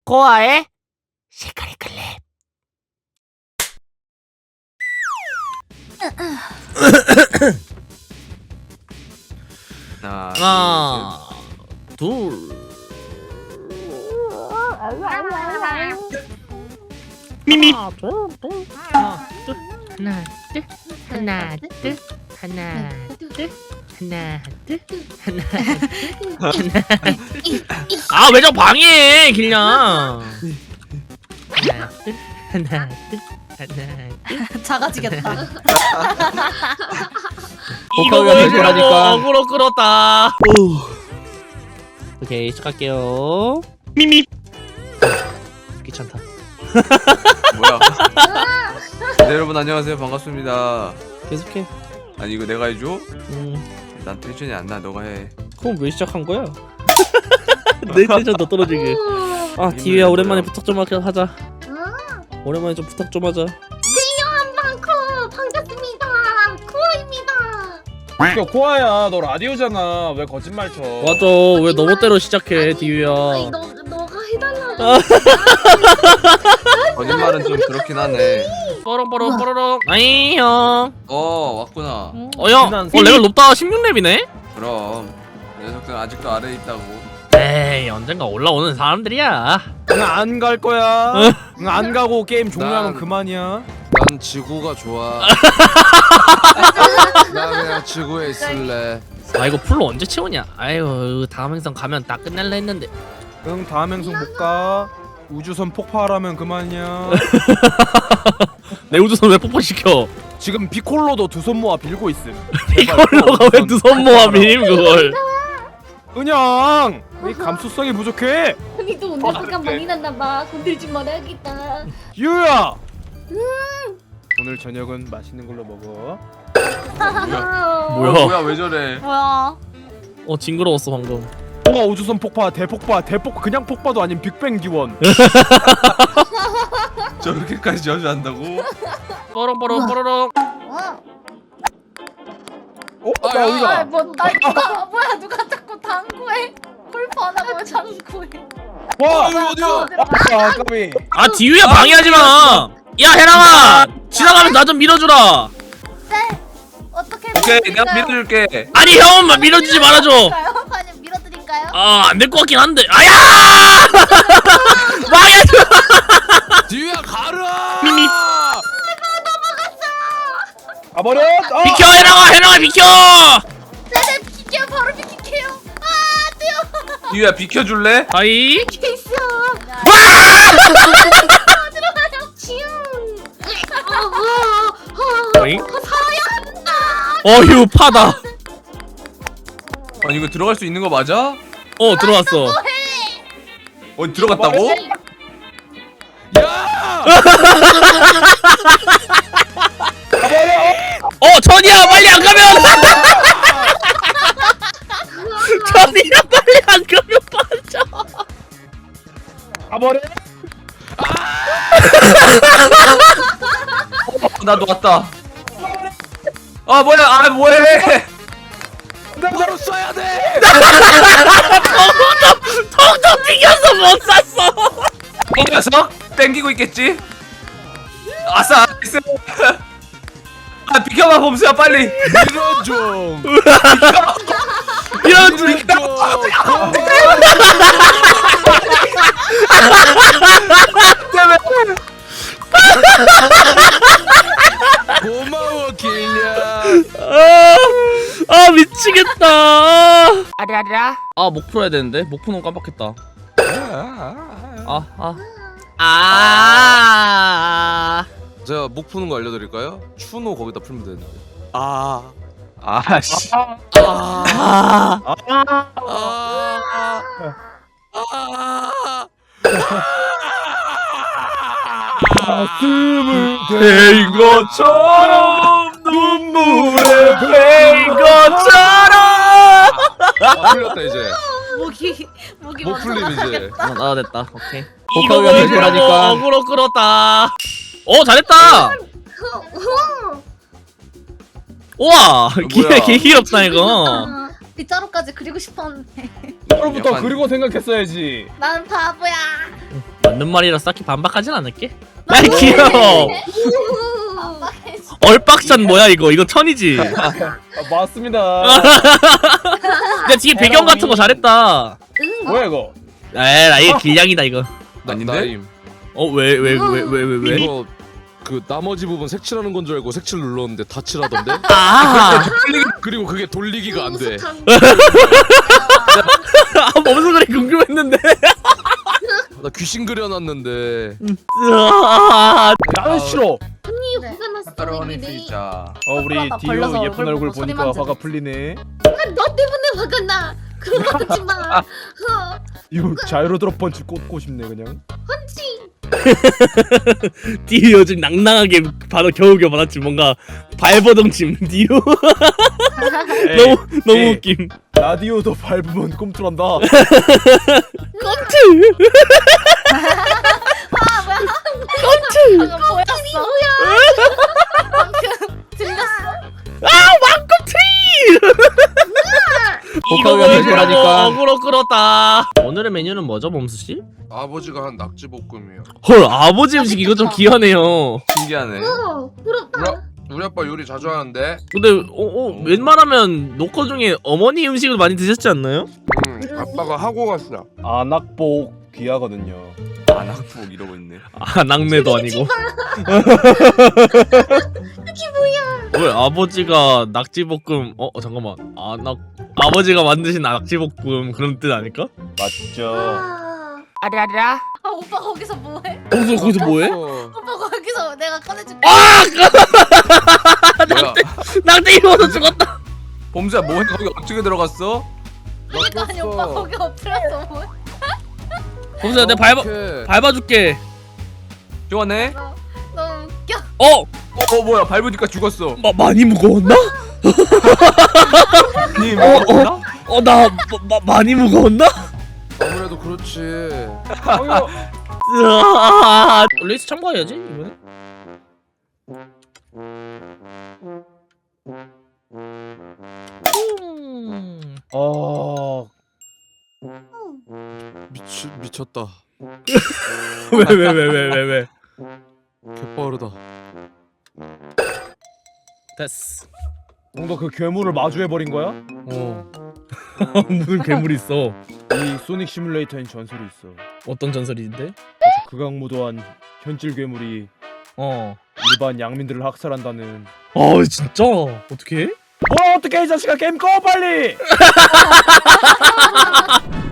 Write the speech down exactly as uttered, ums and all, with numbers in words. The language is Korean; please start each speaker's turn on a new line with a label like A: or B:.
A: 코아의 시크릿 클립.
B: 하나,
A: 하나, 둘. 미미. 하나, 둘, 둘. 하나, 둘. 하나, 둘. 하나, 둘. 하나, 둘. 하나, 둘. 하나, 둘. 아, 왜 저 방해해, 길냥. 하나, 둘. 하나, 둘. 하나, 둘.
C: 작아지겠다.
A: 이거
B: 복합이 안
A: 보여주려고
B: 되니까.
A: 어그로 끌었다. 오케이, 시작할게요. 미미. 귀찮다.
B: 뭐야? 네, 여러분 안녕하세요. 반갑습니다.
A: 계속해.
B: 아니 이거 내가 해줘?
A: 음,
B: 난 텐션이 안 나. 너가 해.
A: 그럼 왜 시작한 거야? 내 텐션 더 떨어지게. 아, 디유야 오랜만에 부탁 좀 하자. 하자. 오랜만에 좀 부탁 좀 하자.
C: 한방코 반갑습니다. 쿠어입니다.
D: 야 코아야 너 라디오잖아 왜 거짓말 쳐.
A: 맞아. 왜 너 멋대로 시작해,
C: 아니,
A: 디유야.
C: 너 너가 해달라고.
B: 거짓말은 좀 그렇긴 하네.
A: 뽀롱뽀롱 뽀로롱. 아이 형.
B: 어 왔구나.
A: 어 형. 어 레벨 높다. 십육 렙이네.
B: 그럼 녀석들 아직도 아래에 있다고.
A: 에이, 언젠가 올라오는 사람들이야.
D: 안 갈 거야. 응, 안 가고 게임 종료하면
B: 난-
D: 그만이야.
B: 난 지구가 좋아. 나 그냥 지구에 있을래.
A: 아, 이거 풀로 언제 채우냐? 아유, 다음 행성 가면 다 끝낼라 했는데.
D: 응 다음 행성 못 가. 우주선 폭발하면 그만이야.
A: 내 우주선 왜 폭파시켜?
D: 지금 비콜로도 두 손 모아 빌고 있음.
A: 이걸로가 왜 두 손 모아 밀임 그걸?
D: 은영 이 감수성이 부족해.
C: 언니도 오늘 잠깐 많이 났나봐. 건들지 말아야겠다.
D: 유야. 오늘 저녁은 맛있는 걸로 먹어.
A: 뭐야?
B: 어, 뭐야 왜 저래?
C: 뭐야?
A: 어, 징그러웠어 방금.
D: 홍화 우주선 폭파 대폭파 대폭 그냥 폭파도 아닌 빅뱅 기원.
B: 저렇게까지 저주한다고?
A: 뽀롱뽀롱 뽀로롱.
D: 어?
B: 아,
D: 나
B: 야.
D: 어디가?
C: 뭐나 누가 뭐야 누가 자꾸 당구해? 골프 안 하고 당구해.
D: 와.
B: 이거 어디야?
D: 아 까비.
A: 아, 디유야 방해하지 마. 야, 해랑아, 지나가면 나 좀 밀어주라.
C: 네. 어떻게
B: 오케이 내가 밀어줄게.
A: 아니, 형만 밀어주지 말아줘.
C: 아니 밀어드릴까요?
A: 아, 안 될 것 같긴 한데. 아야! 망해줘.
B: 뒤야 가라.
A: 미미.
D: 아 버려. 아!
A: 비켜, 해랑아, 해랑아 비켜.
C: 네네 비켜요. 바로 비킬게요. 아 뛰어.
B: 뒤야 비켜줄래?
A: 아이.
C: 케이스. 들어가요. 지웅.
A: 어잉?
C: 살아야 한다.
A: 어휴, 파다.
B: 아니 이거 들어갈 수 있는 거 맞아?
A: 어, 들어왔어.
B: 어 들어갔다고?
D: 야!
A: 어, 전이야, 빨리 안 가면. 전이야, 빨리 안 가면 빠져.
D: 아 버려.
B: 나도 왔다. 아 뭐야? 아 뭐해?
D: 나 바로 쏴야 돼.
A: 텅텅 튕겨서 못 샀어.
B: 이 녀석 땡기고 있겠지? 아싸 나이스. 아 비켜봐 봄수야 빨리.
D: 밀어줘.
A: 이런
D: 고마워 길냐.
A: 아, 아 미치겠다. 아라라. 아, 목 풀어야 되는데 목 푸는 거 깜빡했다. 아, 아, 아.
E: 제가 목 푸는 거 알려드릴까요? 추노 거기다 풀면 되는데.
B: 아 아씨.
A: 아.
D: 가슴을
A: 된 것처럼 눈물에 된 것처럼.
E: 아, 풀렸다 이제.
C: 목이 목이
E: 목 풀림 이제.
A: 어, 나 됐다. 오케이.
B: 이거
A: 복합이 안
B: 보여주려고
A: 되니까. 어그로 끌었다. 어, 잘했다. 우와,
B: 뭐야?
A: 개 귀엽다 이거.
C: 빗자루까지 그리고 싶었는데
D: 서로부터
B: 약간-
D: 그리고 생각했어야지.
C: 난 바보야.
A: 맞는 말이라 딱히 반박하진 않을게. 야 귀여워. 얼빡샷 뭐야 이거? 이거 천이지.
D: 아, 맞습니다.
A: 근데 뒤에 배경 같은 거 잘했다.
D: 뭐야 이거?
A: 에라 이게 길냥이다 이거.
E: 나-
B: 아닌데?
E: 나임.
A: 어 왜 왜 왜 왜 왜 왜?
E: 이거 그 나머지 부분 색칠하는 건 줄 알고 색칠 눌렀는데 다 칠하던데?
A: 아,
E: 그리고 그게 돌리기가 안 돼.
A: 아 뭔 소리 궁금했는데.
E: 나 귀신 그려놨는데.
A: 아,
D: 나는 싫어.
C: 언니
B: 네.
C: 화가 났어.
B: 페퍼로니
C: 이미.
B: 피자.
D: 어 우리
C: 나
D: 디오
C: 걸려서
D: 예쁜
C: 얼굴
D: 얼굴
C: 보고
D: 보니까
C: 소리만
D: 화가
C: 지르지.
D: 풀리네.
C: 너 때문에 화가 나. 그런 거 하지 마. 어,
D: 이거 자이로 드롭 펀치 꽂고 싶네 그냥.
C: 펀치.
A: 디오 요즘 낭낭하게 바로 겨우겨우 받았지. 뭔가 발버둥침 디오. 너무 너무
D: 에이.
A: 웃김.
D: 라디오도 밟으면 꿈틀한다.
A: 깜짝.
C: 아 뭐야?
A: 깜짝.
C: 방금 보였어. 방금 들렸어.
A: 아 왕꿈틀. 이거
D: 복합이 안
A: 보여주려고
D: 되니까.
A: 어그로 끌었다. 오늘의 메뉴는 뭐죠, 범수 씨?
E: 아버지가 한 낙지볶음이요.
A: 헐 아버지 음식 이거 좀 귀하네요.
B: 신기하네.
C: 어 부럽다.
E: 우리 아빠 요리 자주 하는데.
A: 근데 어, 어 웬만하면 노커 중에 어머니 음식을 많이 드셨지 않나요?
E: 음, 아빠가 하고 갔어.
D: 안악복 귀하거든요.
B: 안학복 이러고 있네.
A: 아 낙내도 아니고. 왜 아버지가 낙지볶음? 어, 어 잠깐만. 아낙 아버지가 만드신 낙지볶음 그런 뜻 아닐까?
D: 맞죠.
C: 아,
A: 아라라.
C: 아 오빠 거기서 뭐해?
A: 거기서 거기서 뭐해?
E: 어,
C: 오빠 거기서 내가 꺼내줄게.
B: 뭐야?
A: 낙지 입어서 죽었다.
B: 봄수야 뭐해? 거기 어떻게 들어갔어?
C: 그러니까 아니 오빠
E: 꼈어.
C: 거기 엎드렸어 뭐해?
A: 범수야 내가 밟아
E: 어떡해.
A: 밟아줄게.
B: 좋아네.
C: 너, 너무 웃겨.
A: 어,
B: 어, 어 뭐야? 밟으니까 죽었어.
A: 마, 많이 무거웠나?
B: 니 먹었나?
A: 어, 나 마, 많이 무거웠나?
E: 아무래도 그렇지.
D: 어휴.
A: 으아, 레이스 참가해야지 이번에. 음.
D: 어.
E: 미치 미쳤다.
A: 왜 왜 왜 왜 왜 왜?
E: 개빠르다.
A: 됐어.
D: 뭔가 그 괴물을 마주해 버린 거야?
E: 어.
A: 무슨 괴물이 있어?
D: 이 소닉 시뮬레이터엔 전설이 있어.
A: 어떤 전설인데?
D: 아주 극악무도한 현질 괴물이
A: 어.
D: 일반 양민들을 학살한다는.
A: 아 진짜? 어떻게?
D: 뭐 어떻게 이 자식아 게임 꺼 빨리!